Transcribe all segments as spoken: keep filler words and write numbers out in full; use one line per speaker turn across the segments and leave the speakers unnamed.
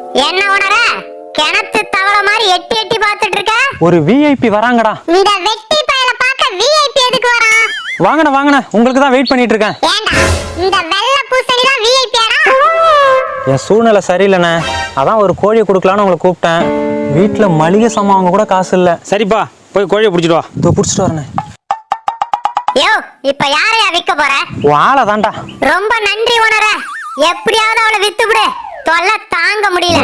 என்ன உணர கிணத்து தவளை மாதிரி எட்டி எட்டி பார்த்துட்டு இருக்க?
ஒரு விஐபி வராங்கடா.
இந்த வெட்டி பயல பார்க்க விஐபி எதுக்கு வரான்?
வாங்கண்ணா வாங்கண்ணா, உங்களுக்கு தான் வெயிட் பண்ணிட்டு இருக்கேன்.
ஏண்டா இந்த வெள்ளை பூசணி தான் விஐபியாடா?
என் சூழ்நிலை சரியில்லைண்ணே, அதான் ஒரு கோழியை கொடுக்கலான்னு உங்களை கூப்பிட்டேன். வீட்டில் மளிகை சாமான் அவங்க கூட காசு இல்லை.
சரிப்பா, போய் கோழியை பிடிச்சிட்டு வா.
இதோ பிடிச்சிட்டு வரேண்ணே.
யோ, இப்ப யாரையா விற்க போற?
வாழை தான்டா.
ரொம்ப நன்றி உணர, எப்படியாவது அவளை வித்து விடு, தொல்லை தாங்க முடியல.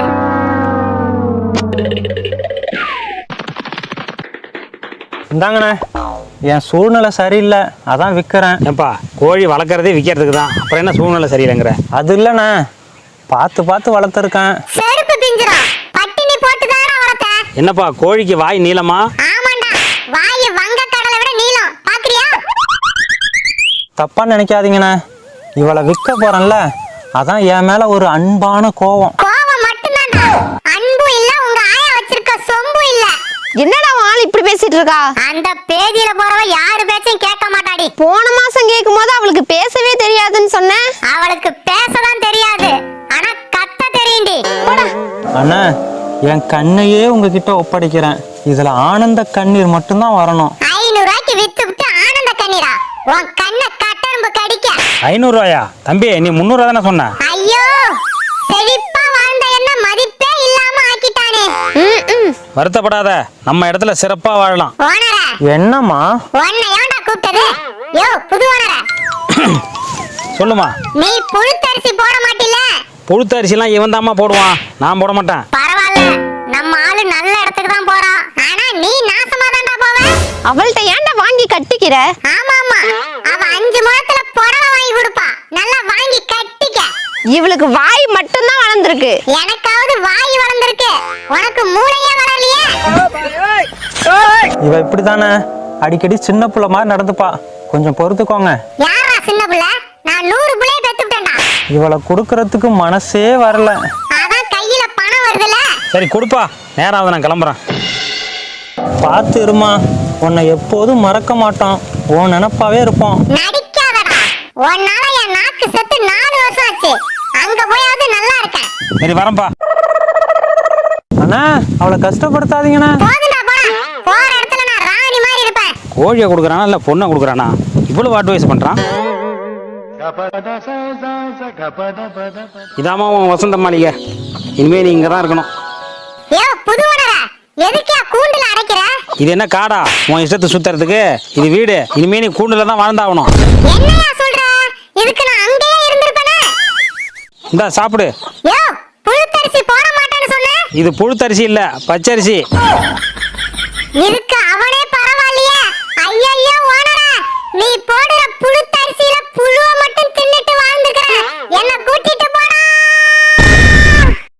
இந்தாங்கண்ணே, என் சூழ்நிலை சரியில்லை, அதான் விற்கிறேன்.
ஏப்பா, கோழி வளர்க்குறதே விற்கிறதுக்கு தான், அப்புறம் என்ன சூழ்நிலை சரியில்லைங்கிற?
அது இல்லைண்ணே, பார்த்து பார்த்து வளர்த்துருக்கேன்.
செருப்பு பிஞ்சிரும், பட்டினி போட்டு தானே வளர்த்த.
என்னப்பா, கோழிக்கு வாய் நீளமா?
ஆமாண்டா, வாய் வங்க கடலை விட நீளம், பாக்குறியா?
தப்பா நினைக்காதீங்கண்ணே, இவளை விற்க போறேன்ல, அதான் என் மேல ஒரு அன்பான கோவம்.
கோவம் மட்டும்தான்டா, அன்பு இல்ல, உங்க ஆயா வச்சிருக்க சொம்பு இல்ல.
என்னடா ஆள் இப்படி பேசிட்டு இருக்கா?
அந்த பேதியில போறவ யாரு பேச்சையும் கேட்க மாட்டாடி.
போன மாசம் கேட்கும் போது அவளுக்கு பேசவே தெரியாதுன்னு சொன்னேன்.
அவளுக்கு பேசதான் தெரியாது, ஆனா கத்த தெரியும்டி.
அண்ணா, என் கண்ணையே உங்ககிட்ட ஒப்படைக்கிறேன், இதுல ஆனந்த கண்ணீர் மட்டும்தான் வரணும்.
ஐநூறு ரூபாய்க்கு வித்து விட்டு ஆனந்த கண்ணீரா? உன் கண்ணை கட்டெரும்பு கடிக்க.
ஐநூறு ரூபாயா? தம்பி, நீ முந்நூறு ரூபா தானே சொன்ன?
ஐயோ, செழிப்பா வாழ்ந்த என்ன மதிப்பே இல்லாம ஆக்கிட்டானே.
வருத்தப்படாத, நம்ம இடத்துல சிறப்பா வாழலாம்.
ஓனர,
என்னம்மா?
உன்னை ஏன்டா கூப்பிட்டது? யோ புது ஓனர,
சொல்லுமா.
நீ புழுத்தரிசி போட மாட்டில?
புழுத்த அரிசிலாம் இவன் தாம்மா போடுவான், நான் போட மாட்டேன்.
பரவாயில்ல, நம்ம ஆளு நல்ல இடத்துக்கு தான் போறான், ஆனா நீ நாசமா தான்டா போவ.
அவள்கிட்ட ஏன்டா வாங்கி கட்டிக்கிற?
ஆமா ஆமா, அவ அஞ்சு முழத்துல புடவை வாங்கி கொடுப்பா, நல்லா வாங்கி கட்டிக்க.
இவளுக்கு வாய் மட்டும்தான் வளர்ந்துருக்கு.
எனக்காவது வாய் வளர்ந்துருக்கு, உனக்கு மூளையே வளரலையே.
இவ இப்படித்தானே அடிக்கடி சின்ன புள்ள மாதிரி நடந்துப்பா, கொஞ்சம் பொறுத்துக்கோங்க.
யாரா சின்ன புள்ள? நான் நூறு புள்ளைய பெத்துட்டேன்டா.
இவளை கொடுக்கறதுக்கு மனசே வரல.
அதான் கையில பணம் வருதுல.
சரி கொடுப்பா, நேரம் ஆகுது, நான் கிளம்புறேன்.
பார்த்து இருமா, உன்னை எப்போதும் மறக்க மாட்டோம், உன் நினப்பாவே இருப்போம்.
நடிக்காதடா, உன்னால என் நாக்கு செத்து நாலு வருஷம் ஆச்சு, அங்க போயாவது நல்லா இருக்கேன்.
சரி வரேன்ப்பா.
அண்ணா, அவளை கஷ்டப்படுத்தாதீங்கண்ணா.
போதுடா போடா, போற இடத்துல நான் ராணி மாதிரி இருப்பேன்.
கோழியை கொடுக்குறானா இல்லை பொண்ணை கொடுக்குறானா? இவ்வளவு அட்வைஸ் பண்ணுறான். இதாம்மா உன் வசந்த மாளிகை, இனிமே நீ இங்கே தான் இருக்கணும்.
யோ புது ஓனர, எதுக்கே கூண்டுல அடைக்கிற?
இது என்ன காடா உன் இஷ்டத்தை சுத்துறதுக்கு? இது வீடு, இனிமே நீ கூண்டுல தான் வாழ்ந்தாகணும்.
என்னையா சொல்ற? இதுக்கு நான் அங்கேயே இருந்திருப்பேனே.
இந்தா சாப்பிடு.
யோ, புழுத்தரிசி போட மாட்டேன்னு சொன்ன?
இது புழுத்தரிசி இல்ல, பச்சரிசி.
இதுக்கு அவனே பரவாயில்லையே. ஐயையோ ஓனர, நீ போடுற புழுத்த